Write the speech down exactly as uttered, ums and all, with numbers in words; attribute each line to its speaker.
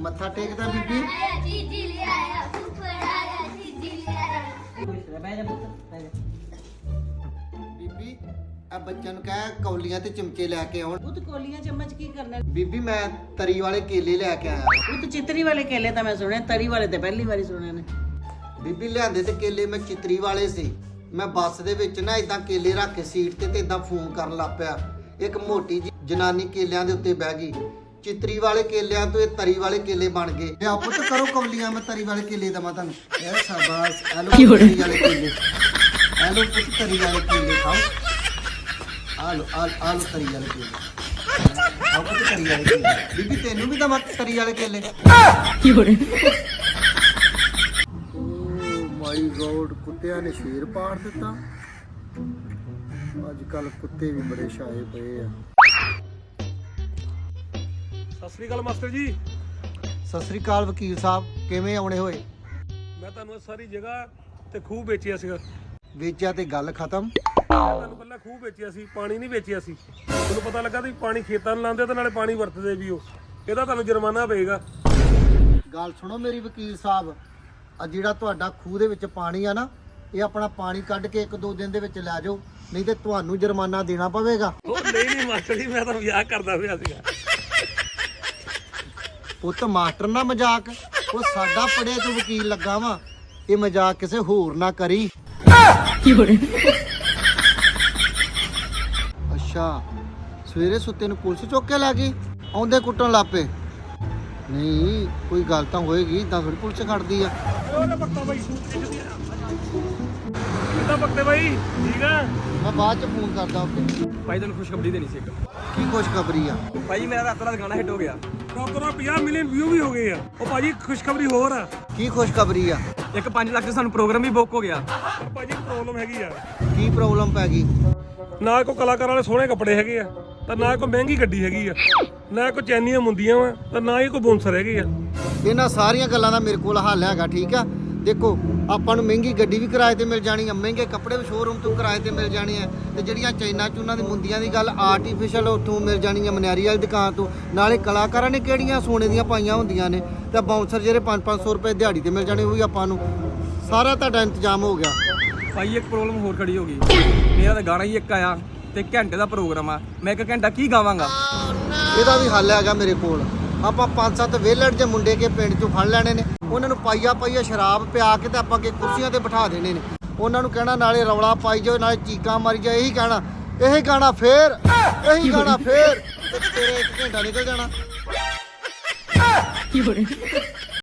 Speaker 1: ਮੱਥਾ ਟੇਕਦਾ ਬੀਬੀ। ਬੀਬੀ ਆ ਬੱਚਿਆਂ ਨੂੰ ਕਹਿ ਕੌਲੀਆਂ ਤੇ ਚਮਚੇ ਲੈ ਕੇ ਆਉਣ।
Speaker 2: ਉਹ ਤੇ ਕੋਲੀਆਂ ਚਮਚ ਕੀ ਕਰਨਾ?
Speaker 1: ਬੀਬੀ ਮੈਂ ਤਰੀ ਵਾਲੇ ਕੇਲੇ ਲੈ ਕੇ ਆਇਆ।
Speaker 2: ਉਹ ਤੇ ਚਿਤਰੀ ਵਾਲੇ ਕੇਲੇ ਤਾਂ ਮੈਂ ਸੁਣੇ, ਤਰੀ ਵਾਲੇ ਤੇ ਪਹਿਲੀ ਵਾਰੀ ਸੁਣੇ ਨੇ।
Speaker 1: ਬੀਬੀ ਲਿਆਂਦੇ ਤੇ ਕੇਲੇ ਮੈਂ ਚਿਤਰੀ ਵਾਲੇ ਸੀ। ਮੈਂ ਬੱਸ ਦੇ ਵਿੱਚ ਨਾ ਇਦਾਂ ਕੇਲੇ ਰੱਖ ਕੇ ਸੀਟ ਤੇ ਤੇ ਇਦਾਂ ਫੋਨ ਕਰਨ ਲੱਗ ਪਿਆ। ਇੱਕ ਮੋਟੀ ਜੀ ਜਨਾਨੀ ਕੇਲਿਆਂ ਦੇ ਉੱਤੇ ਬਹਿ ਗਈ। ਚਿਤਰੀ ਵਾਲੇ ਕੇਲਿਆਂ ਤੋਂ ਇਹ ਤਰੀ ਵਾਲੇ ਕੇਲੇ ਬਣ ਗਏ। ਤੇ ਆਪੋ ਤਾਂ ਕਰੋ ਕੌਲੀਆਂ, ਮੈਂ ਤਰੀ ਵਾਲੇ ਕੇਲੇ ਦਵਾਂ ਤੁਹਾਨੂੰ। ਇਹ ਸ਼ਾਬਾਸ਼, ਆ ਲੋ ਤਰੀ ਵਾਲੇ ਕੇਲੇ, ਆ ਲੋ ਪੁੱਤ ਤਰੀ ਵਾਲੇ ਕੇਲੇ ਖਾਓ। ਆ ਲੋ ਆ ਆ ਲੋ ਤਰੀ ਵਾਲੇ ਕੇਲੇ, ਆਓ ਪੁੱਤ ਤਰੀ ਵਾਲੇ ਕੇਲੇ। ਬੀਬੀ ਤੈਨੂੰ ਵੀ ਦਵਾਂ ਤਰੀ ਵਾਲੇ ਕੇਲੇ? ਕੀ ਹੋ ਰਿਹਾ? ਮਾਈ ਗੋਡ, ਕੁੱਤਿਆਂ ਨੇ ਸ਼ੇਰ ਪਾੜ ਦਿੱਤਾ। ਅੱਜ ਕੱਲ ਕੁੱਤੇ ਵੀ ਬੜੇ ਛਾਏ ਪਏ ਆ।
Speaker 3: ਸਤਿ ਸ੍ਰੀ ਅਕਾਲ ਮਾਸਟਰ ਜੀ।
Speaker 1: ਸਤਿ ਸ੍ਰੀ ਅਕਾਲ ਵਕੀਲ ਸਾਹਿਬ, ਕਿਵੇਂ ਆਉਣੇ ਹੋਏ?
Speaker 3: ਮੈਂ ਤੁਹਾਨੂੰ ਸਾਰੀ ਜਗ੍ਹਾ ਤੇ ਖੂਹ ਵੇਚਿਆ ਸੀਗਾ।
Speaker 1: ਵੇਚਿਆ ਤੇ ਗੱਲ ਖਤਮ।
Speaker 3: ਮੈਂ ਤੁਹਾਨੂੰ ਪਹਿਲਾਂ ਖੂਹ ਵੇਚਿਆ ਸੀ, ਪਾਣੀ ਨਹੀਂ ਵੇਚਿਆ ਸੀ। ਤੁਹਾਨੂੰ ਪਤਾ ਲੱਗਾ ਤੁਸੀਂ ਪਾਣੀ ਖੇਤਾਂ ਨੂੰ ਲਾਉਂਦੇ ਤੇ ਨਾਲੇ ਪਾਣੀ ਵਰਤਦੇ ਵੀ ਹੋ। ਇਹਦਾ ਤੁਹਾਨੂੰ ਜੁਰਮਾਨਾ ਪਏਗਾ।
Speaker 1: ਗੱਲ ਸੁਣੋ ਮੇਰੀ ਵਕੀਲ ਸਾਹਿਬ, ਆ ਜਿਹੜਾ ਤੁਹਾਡਾ ਖੂਹ ਦੇ ਵਿੱਚ ਪਾਣੀ ਆ ਨਾ, ਇਹ ਆਪਣਾ ਪਾਣੀ ਕੱਢ ਕੇ ਇੱਕ ਦੋ ਦਿਨ ਦੇ ਵਿੱਚ ਲੈ ਜਾਓ, ਨਹੀਂ ਤੇ ਤੁਹਾਨੂੰ ਜੁਰਮਾਨਾ ਦੇਣਾ ਪਵੇਗਾ।
Speaker 3: ਉਹ ਨਹੀਂ ਨਹੀਂ ਮਾਸਟਰ ਜੀ, ਮੈਂ ਤਾਂ ਮਜ਼ਾਕ ਕਰਦਾ ਪਿਆ ਸੀਗਾ।
Speaker 1: ਪੁੱਤ ਮਾਸਟਰ ਨਾ ਮਜ਼ਾਕ, ਉਹ ਸਾਡਾ ਪੜਿਆ ਤੂੰ ਵਕੀਲ ਲੱਗਾ ਵਾ, ਇਹ ਮਜ਼ਾਕ ਕਿਸੇ ਹੋਰ ਨਾ ਕਰੀ। ਅੱਛਾ, ਸਵੇਰੇ ਸੁੱਤੇ ਨੂੰ ਪੁਲਿਸ ਚੁੱਕ ਕੇ ਲੈ ਗਈ, ਆਉਂਦੇ ਕੁੱਟਣ ਲੱਪੇ। ਨਹੀਂ ਕੋਈ ਗੱਲ ਤਾਂ ਹੋਏਗੀ, ਤਾਂ ਫਿਰ ਪੁਲਿਸ ਖੜਦੀ ਆ।
Speaker 3: ਉਹਦਾ ਪੱਕਾ ਬਾਈ ਕਿੱਦਾਂ ਪੱਕਦੇ ਬਾਈ? ਠੀਕ ਆ,
Speaker 1: ਮੈਂ ਬਾਅਦ ਚ ਫੋਨ ਕਰਦਾ। ਓਕੇ
Speaker 4: ਭਾਈ ਤੁਹਾਨੂੰ ਖੁਸ਼ਖਬਰੀ ਦੇਣੀ ਸੀ ਇੱਕ।
Speaker 1: ਕੀ ਖੁਸ਼ਖਬਰੀ ਆ?
Speaker 4: ਭਾਈ ਮੇਰਾ ਰਾਤੋਂ ਰਾਤ ਗਾਣਾ ਹਿੱਟ ਹੋ ਗਿਆ।
Speaker 3: ਡਾਕਟਰਾਂ ਪੰਜਾਹ ਮਿਲੀਅਨ ਵਿਊ ਵੀ ਹੋ ਗਏ ਆ। ਉਹ ਭਾਜੀ ਖੁਸ਼ਖਬਰੀ ਹੋਰ ਆ।
Speaker 1: ਕੀ ਖੁਸ਼ਖਬਰੀ ਆ?
Speaker 4: ਇੱਕ ਪੰਜ ਲੱਖ ਦਾ ਸਾਨੂੰ ਪ੍ਰੋਗਰਾਮ ਵੀ ਬੁੱਕ ਹੋ ਗਿਆ।
Speaker 3: ਪਰ ਭਾਜੀ ਪ੍ਰੋਬਲਮ ਹੈਗੀ ਆ।
Speaker 1: ਕੀ ਪ੍ਰੋਬਲਮ ਪੈ ਗਈ?
Speaker 3: ਨਾ ਕੋਈ ਕਲਾਕਾਰ ਵਾਲੇ ਸੋਹਣੇ ਕੱਪੜੇ ਹੈਗੇ ਆ, ਤਾਂ ਨਾ ਕੋਈ ਮਹਿੰਗੀ ਗੱਡੀ ਹੈਗੀ ਆ, ਨਾ ਕੋਈ ਚੈਨੀਆਂ ਮੁੰਦੀਆਂ ਵਾ, ਤਾਂ ਨਾ ਹੀ ਕੋਈ ਬੌਂਸਰ ਹੈਗੇ ਆ।
Speaker 1: ਇਹਨਾਂ ਸਾਰੀਆਂ ਗੱਲਾਂ ਦਾ ਮੇਰੇ ਕੋਲ ਹੱਲ ਹੈਗਾ। ਠੀਕ ਆ, ਦੇਖੋ ਆਪਾਂ ਨੂੰ ਮਹਿੰਗੀ ਗੱਡੀ ਵੀ ਕਿਰਾਏ ਤੇ ਮਿਲ ਜਾਣੀ ਆ, ਮਹਿੰਗੇ ਕੱਪੜੇ ਵੀ ਸ਼ੋਰੂਮ ਤੋਂ ਕਿਰਾਏ ਤੇ ਮਿਲ ਜਾਣੇ ਆ, ਤੇ ਜਿਹੜੀਆਂ ਚਾਈਨਾ ਚੂਨਾਂ ਦੀ ਮੁੰਦੀਆਂ ਦੀ ਗੱਲ ਆਰਟੀਫੀਸ਼ੀਅਲ ਉੱਥੋਂ ਮਿਲ ਜਾਣੀ ਆ, ਮਨਿਆਰੀ ਵਾਲੀ ਦੁਕਾਨ ਤੋਂ। ਨਾਲੇ ਕਲਾਕਾਰਾਂ ਨੇ ਕਿਹੜੀਆਂ ਸੋਨੇ ਦੀਆਂ ਪਾਈਆਂ ਹੁੰਦੀਆਂ ਨੇ, ਤੇ ਬਾਉਂਸਰ ਜਿਹੜੇ ਪੰਜ ਪੰਜ ਸੌ ਰੁਪਏ ਦਿਹਾੜੀ ਤੇ ਮਿਲ ਜਾਣੇ, ਉਹ ਵੀ ਆਪਾਂ ਨੂੰ ਸਾਰਾ ਤੁਹਾਡਾ ਇੰਤਜ਼ਾਮ ਹੋ ਗਿਆ।
Speaker 4: ਭਾਈ ਇੱਕ ਪ੍ਰੋਬਲਮ ਹੋਰ ਖੜੀ ਹੋ ਗਈ। ਮੇਰਾ ਤਾਂ ਗਾਣਾ ਹੀ ਇੱਕ ਆਇਆ ਤੇ ਘੰਟੇ ਦਾ ਪ੍ਰੋਗਰਾਮ ਆ, ਮੈਂ ਇੱਕ ਘੰਟਾ ਕੀ ਗਾਵਾਂਗਾ?
Speaker 1: ਇਹਦਾ ਵੀ ਹੱਲ ਹੈਗਾ ਮੇਰੇ ਕੋਲ। ਆਪਾਂ ਪੰਜ ਸੱਤ ਵਿਹਲੜ ਜੇ ਮੁੰਡੇ ਕੇ ਪਿੰਡ ਚੋਂ ਫੜ ਲੈਣੇ ਨੇ, ਉਹਨਾਂ ਨੂੰ ਪਾਈਆ ਪਾਈਆ ਸ਼ਰਾਬ ਪਿਆ ਕੇ ਤੇ ਆਪਾਂ ਕੇ ਕੁਰਸੀਆਂ ਤੇ ਬਿਠਾ ਦੇਣੇ ਨੇ। ਉਹਨਾਂ ਨੂੰ ਕਹਿਣਾ ਨਾਲੇ ਰੌਲਾ ਪਾਈ ਜਾਓ, ਨਾਲੇ ਚੀਕਾਂ ਮਾਰੀ ਜਾਓ, ਇਹੀ ਕਹਿਣਾ, ਇਹੀ ਗਾਣਾ ਫੇਰ, ਇਹੀ ਗਾਣਾ ਫੇਰ, ਤੇ ਤੇਰੇ ਇੱਕ ਘੰਟਾ ਨਿਕਲ ਜਾਣਾ।